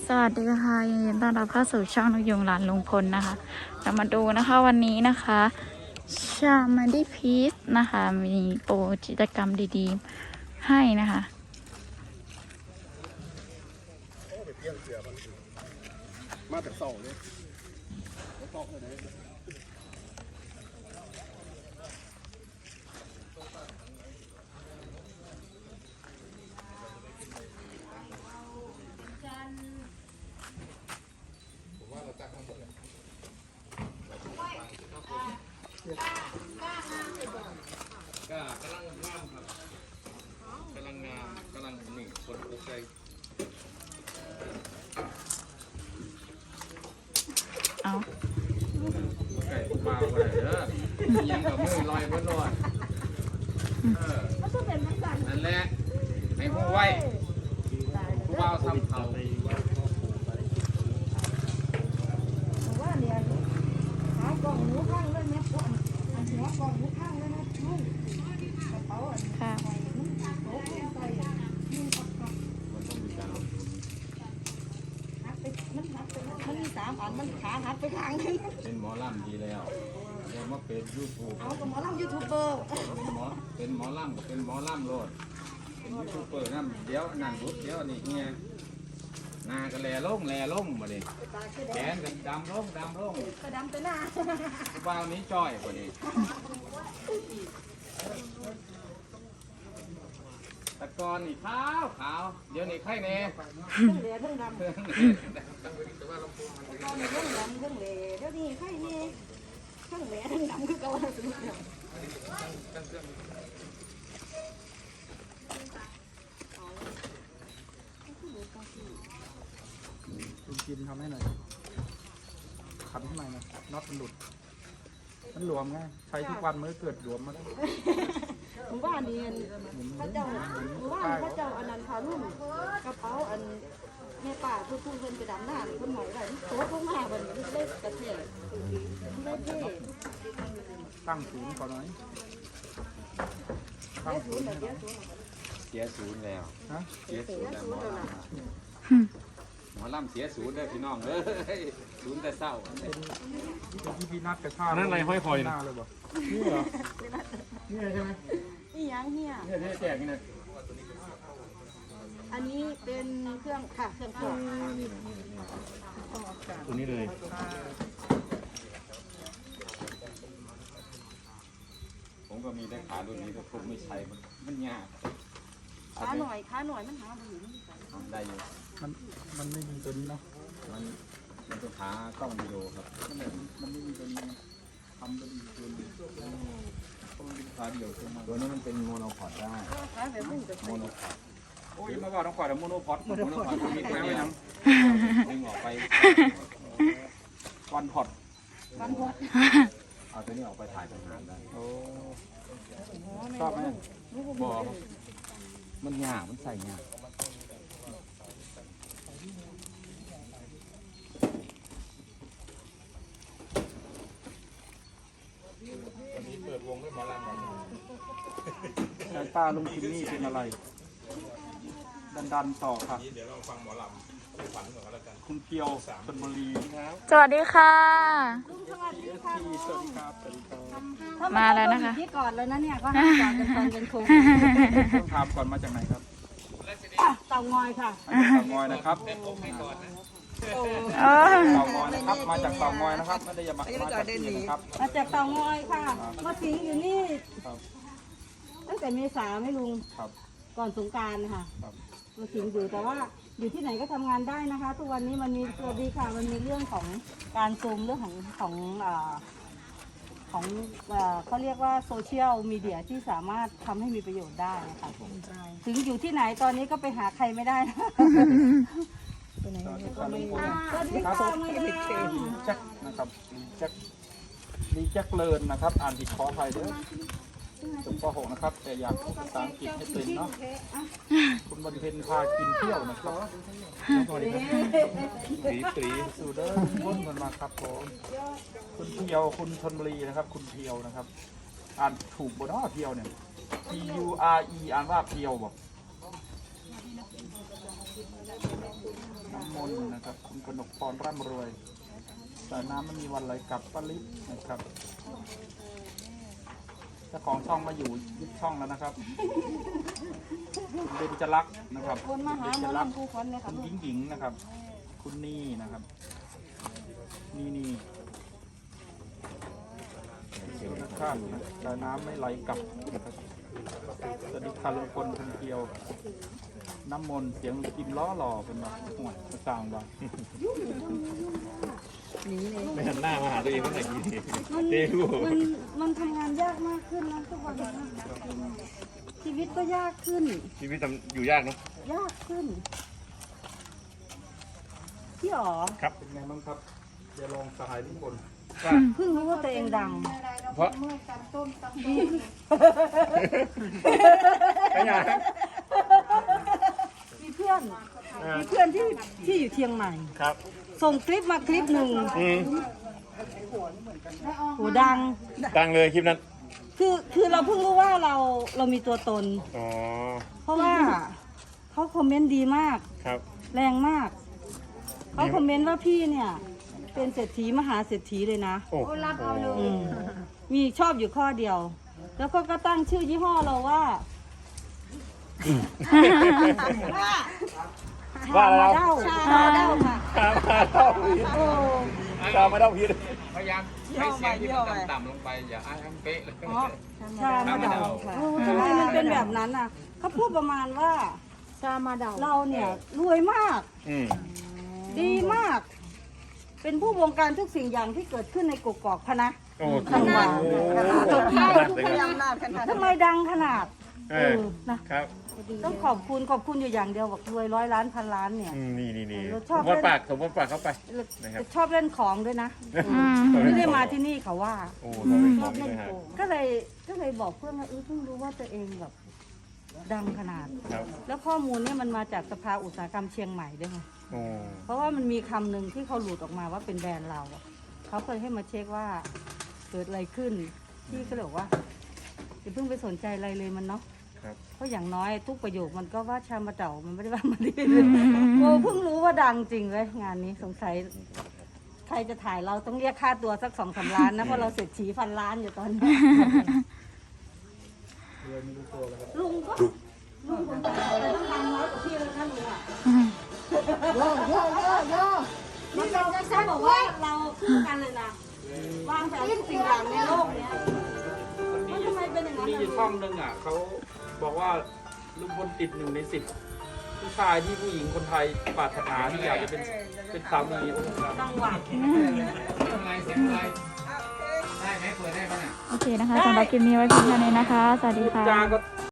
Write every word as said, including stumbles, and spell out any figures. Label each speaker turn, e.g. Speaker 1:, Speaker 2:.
Speaker 1: สวัสดีค่ะยินดีต้อนรับเข้าสู่ช่องนกยุงหลานลุงพลนะคะเรามาดูนะคะวันนี้นะคะชามาดีพีซนะคะมีโปรกิจกรรมดีๆให้นะคะ
Speaker 2: มาแต่เสาเลยก็กำลังงามครับกำลังงามกำลังหนึ่งคนโอเค
Speaker 1: เอา
Speaker 2: ไก่ปลาไปเด้อยังกับมือลอยบนลอยเออนั่นแหละให้ผู้ไว้ผู้บ่าวทำเขา
Speaker 3: ว่าเนี่ยหากล่องหมูข้างเลยนะหัวกล่องหมูข้างเลยนะลุงกระเป๋าอ่ะ
Speaker 1: ค่ะ
Speaker 3: ใส่นุ่งโต๊ะใส่นุ่งปักปักหักไปมันหักไปมันมีสามอันมันขาหักไปข้างนึง
Speaker 2: เป็นหมอลำดีแล้วเดี๋ยวมาเป็นยูทูบ
Speaker 3: เอากับหมอลำยูทูบเบอร์
Speaker 2: เป็นหมอเป็นหมอลำเป็นหมอลำโลดเป็นยูทูบเบอร์นั่นเดี๋ยวนั่นรุดเดี๋ยวนี่เนี่ยหน้าก็แลลงแลลงมาดิแขนกันดำลงดำลง
Speaker 3: กระดำไปหน้า
Speaker 2: ผู้บ่าวนี้จ้อยกว่านี้ตะกอนนี่ขาวขาวเดี๋ยวนี้ไข่แน่
Speaker 3: เครื่องเหลือเครื่องดำเครื่องเหลือเครื่องดำเครื่องเหลือเดี๋ยวนี้ใครนี่เครื่องเหลือเครื่องดำคือเก่าสุดเลย
Speaker 4: คุณกินทำให้หน่อยขันข้างในนะน็อตมันหลุด มันหลวมไงใช้ทุกวันมันก็เกิดหลวมมาแล้ว
Speaker 3: หมู่บ้านนี่พระเจ้าหมู่บ้านพระเจ้าอนันทารุ่นกระเป๋าอันแม่ป่าทุกทุกคนกระดำหน้าคนหมอยไว้โต๊ะลงมาบนเล็กกระเทียมเล็กเท่
Speaker 4: ตั้งศูนย์ก่อนหน่อยตั้งศูนย์ให้หน่อย
Speaker 2: เสียศูนย์แล้ว
Speaker 4: ฮะ
Speaker 2: เสียศูนย์แล้วหมอลำหมอลำเสียศูนย์เลยพี่น้องเอ้ยศูนย์แต่เศร้า
Speaker 4: เป็นที่พี่นัดกระชาก
Speaker 2: นั่นอะไรห้อยคอย
Speaker 4: หน้าเลยบ่นี่เหรอนี่ใช่ไหม
Speaker 3: นี่ยังเนี่ย
Speaker 2: เนี่ยที่แจกนี่นะ
Speaker 3: อันนี้เป็นเครื่องค่ะเครื่องปรุง
Speaker 2: ตัวนี้เลยผมก็มีได้ขารุ่นนี้แต่ผมไม่ใช้มันมันยาก
Speaker 3: ขาหน่อยขาหน่อยมันหาไปอยู่
Speaker 2: ทำได้อยู่
Speaker 4: มันมันไม่มีตัวนี้เนาะ
Speaker 2: มันมันต้องหากล้องวิดีโอครับ
Speaker 4: มันไม่มันไม่มีตัวนี้ทำตัวนี้ตัวนี้ต้องมีขาเดียวขึ้นมา
Speaker 2: ตัวนี้มันเป็นโมโนพอดได้
Speaker 3: ขาแบบมึงจะ
Speaker 2: โมโนพอด
Speaker 4: โอ้ยมาว่าต้องขอแต่โมโนพอด
Speaker 2: โมโนพอดมีตัวเดียวดึงออกไป
Speaker 4: วันพอด
Speaker 3: วันพด
Speaker 2: เอาตัวนี้ออกไปถ่ายทหารได้
Speaker 4: โอ้ชอบไหม
Speaker 2: บอกมันยากมันใส่ยาก
Speaker 4: สายตาลุงจิมมี่เป็นอะไร ดันดันต่อค่ะเดี๋ยวเราฟังหมอลำฝันก่อนแล้วกันคุณเพียวชลบุรีครับ
Speaker 1: สวัสดีค่ะ
Speaker 3: สวัสดีค่ะ
Speaker 4: สวัสดีครับสวัสดีครับ
Speaker 1: มาแล้วนะคะ
Speaker 3: ที่ก่อนเลยนะเนี่ยก็ให้ก่อนเป็นตอนเป็นครู
Speaker 4: ต้องถามก่อนมาจากไหนครับ
Speaker 3: เต่างอยค่ะ
Speaker 4: มาจากเต่างอยนะครับ
Speaker 1: โอ้
Speaker 4: เต่างอยนะครับ มาจากเต่างอยนะครับ ไม่ได้มามาจากที่นะครับ
Speaker 3: มาจากเต่างอยค่ะ มาสิงอยู่นี่
Speaker 4: ครับ
Speaker 3: ตั้งแต่เมษาไม่ลุง
Speaker 4: ครับ
Speaker 3: ก่อนสงกรานต์ค่ะ
Speaker 4: ครับ
Speaker 3: มาสิงอยู่แต่ว่าอยู่ที่ไหนก็ทำงานได้นะคะ ทุกวันนี้มันมีสวัสดีค่ะ มันมีเรื่องของการซูมเรื่องของของเอ่อของเอ่อเขาเรียกว่าโซเชียลมีเดียที่สามารถทำให้มีประโยชน์ได้นะคะถึงอยู่ที่ไหนตอนนี้ก็ไปหาใครไม่ได้นะไปไหนก็ไม่ได้สวัสดีค่ะมาดาม
Speaker 4: ลีแจ็คนะครับลีแจ็คลีแจ็คเลินนะครับ อ่านผิดขออภัยเด้อจบป .หก นะครับ แต่อยากพูดภาษาอังกฤษให้เป็นเนาะ คุณบรรเพ็ญพากินเที่ยวนะครับสวัสดีครับตีตีสูเดอร์พ้นกันมาครับผมคุณเพียวคุณชนบุรีนะครับ คุณเพียวนะครับ อ่านถูกบนอ้อเพียวเนี่ย P U R E อ่านว่าเพียวบอกน้ำมนต์นะครับคุณกนกพรร่ำรวยสายน้ำไม่มีวันไหลกลับป้าลิศนะครับเจ้าของช่องมาอยู่ยึดช่องแล้วนะครับคุณเบญจลักษณ์นะครับ
Speaker 3: คนมาหา
Speaker 4: เบญ
Speaker 3: ห
Speaker 4: จ
Speaker 3: มอ
Speaker 4: ลักษณ์
Speaker 3: ลำผู้คนเนี่ย
Speaker 4: คุ
Speaker 3: ค่ะ
Speaker 4: ณหญิงหญิงนะครับ คุณนี่นะครับ นี่นี่ทุกท่านนะสายน้ำไม่ไหลกลับนะครับสวัสดีค่ะลุงพลคนเดียว น้ำมนต์เสียงลุงจิมล้อหล่อเป็นแบบห่วยกระซังบ้าง
Speaker 5: ไม่หันหน้ามาหาตัวเองเมื่อไหร่กี้
Speaker 3: มัน
Speaker 5: เจ๊กู
Speaker 3: มันมันทำงานยากมากขึ้นนะทุกวันนี้ชีวิตก็ยากขึ้น
Speaker 5: ชีวิตทำอยู่ยากเนาะ
Speaker 3: ยากขึ้นพี่อ๋อ
Speaker 4: เป็นไงบ้างครับเดี๋ยวลองสหายลุงพล
Speaker 3: เพิ่งรู้ว่าตัวเองดัง
Speaker 5: เพราะไม่อยาก
Speaker 3: มีเพื่อนมีเพื่อนที่ที่อยู่เชียงใหม่
Speaker 5: ครับ
Speaker 3: ส่งคลิปมาคลิปหนึ่ง
Speaker 5: อืม
Speaker 3: โหดัง
Speaker 5: ดังเลยคลิปนั้น
Speaker 3: คือคือเราเพิ่งรู้ว่าเราเรามีตัวตน
Speaker 5: อ๋อ
Speaker 3: เพราะว่าเขาคอมเมนต์ดีมาก
Speaker 5: ครับ
Speaker 3: แรงมากเขาคอมเมนต์ว่าพี่เนี่ย เป็นเศรษฐีมหาเศรษฐีเลยนะ
Speaker 5: โอ้รับเอาเลย
Speaker 3: อืมมีชอบอยู่ข้อเดียว แล้วก็ก็ตั้งชื่อยี่ห้อเราว่า
Speaker 5: ว่าแล้ว
Speaker 3: เด้าชามาเด้าค่ะ
Speaker 5: ชามาเท่าพีด
Speaker 3: โอ้
Speaker 5: ชามาเท่าพีด
Speaker 2: พยายามให้เสียงที่มันต่ำๆลงไปอย่าอ้างเป๊ะเลย
Speaker 3: ชามาเด้าค่ะทำไมมันเป็นแบบนั้นอ่ะเขาพูดประมาณว่าชามาเด้าเราเนี่ยรวยมาก
Speaker 5: อืม
Speaker 3: ดีมาก เป็นผู้บงการทุกสิ่งอย่างที่เกิดขึ้นในกกอกพะนะ
Speaker 5: โอ้
Speaker 3: ขนาด
Speaker 5: โอ้
Speaker 3: ใช่
Speaker 5: ทุกอย่าง
Speaker 3: ทำไมดังขนาด
Speaker 5: เอ
Speaker 3: เอ
Speaker 5: อ
Speaker 3: อนะครับ ต้องขอบคุณขอบคุณอยู่อย่างเดียวบอกรวยร้อยล้านพันล้านเนี่ย
Speaker 5: อืมนี่นี่นี่
Speaker 3: เราช
Speaker 5: ส
Speaker 3: อบ
Speaker 5: มมติปากสมมติปากเข้าไป นะครับ
Speaker 3: ชอบเล่นของด้วยนะ
Speaker 1: อืม
Speaker 3: ไม่ได้มาที่นี่เขาว่า
Speaker 5: โอ้เราเป็นของนี่เลยฮะ
Speaker 3: ก็เลยก็เลยบอกเพื่อนว่าเออเพิ่งรู้ว่าตัวเองแบบดังขนาด
Speaker 5: ครับ
Speaker 3: แล้วข้อมูลเนี่ยมันมาจากสภาอุตสาหกรรมเชียงใหม่ด้วยไง
Speaker 5: โอ้
Speaker 3: เพราะว่ามันมีคำหนึ่งที่เขาหลุดออกมาว่าเป็นแบรนด์เราอะเขาเคยให้มาเช็คว่าเกิดอะไรขึ้นพี่ก็เลยบอกว่าอย่าเพิ่งไปสนใจอะไรเลยมันเนาะ
Speaker 5: ครับ
Speaker 3: เพราะอย่างน้อยทุกประโยคมันก็ว่าชามาเต่ามันไม่ได้ว่ามาดีโอ้เพิ่งรู้ว่าดังจริงเลยงานนี้สงสัยใครจะถ่ายเราต้องเรียกค่าตัวสักสองสามล้านนะเพราะเราเสร็จฉีพันล้านอยู่ตอนนี้ ลุงก็ลุงผมแต่ต้องดังน้อยกว่าพี่เลยนะลุงอ่ะ โยโยโยโยนี่เราจะใช้บอกว่าเราคู่กันเลยนะวางแผนทุกสิ่งอย่างในโลกเนี้ยว่าทำไมเป็นอย่างนั้น
Speaker 4: มี
Speaker 3: ล่ะ
Speaker 4: อยู่ช่องหนึ่งอ่ะเขาบอกว่าลุงพลติดหนึ่งในสิบผู้ชายที่ผู้หญิงคนไทยปรารถนาที่อยากจะเป็นเป็นสามี
Speaker 3: ต้องหวัง
Speaker 2: เสียงอะไรเสียงอะไรได้ไหมเปิดได้ปะเนี่ย
Speaker 1: โอเคนะคะสำหรับคลิปนี้ไว้เพียงเท่านี้นะคะ สวัสดี
Speaker 4: พูด
Speaker 1: ค่ะ
Speaker 4: จาก็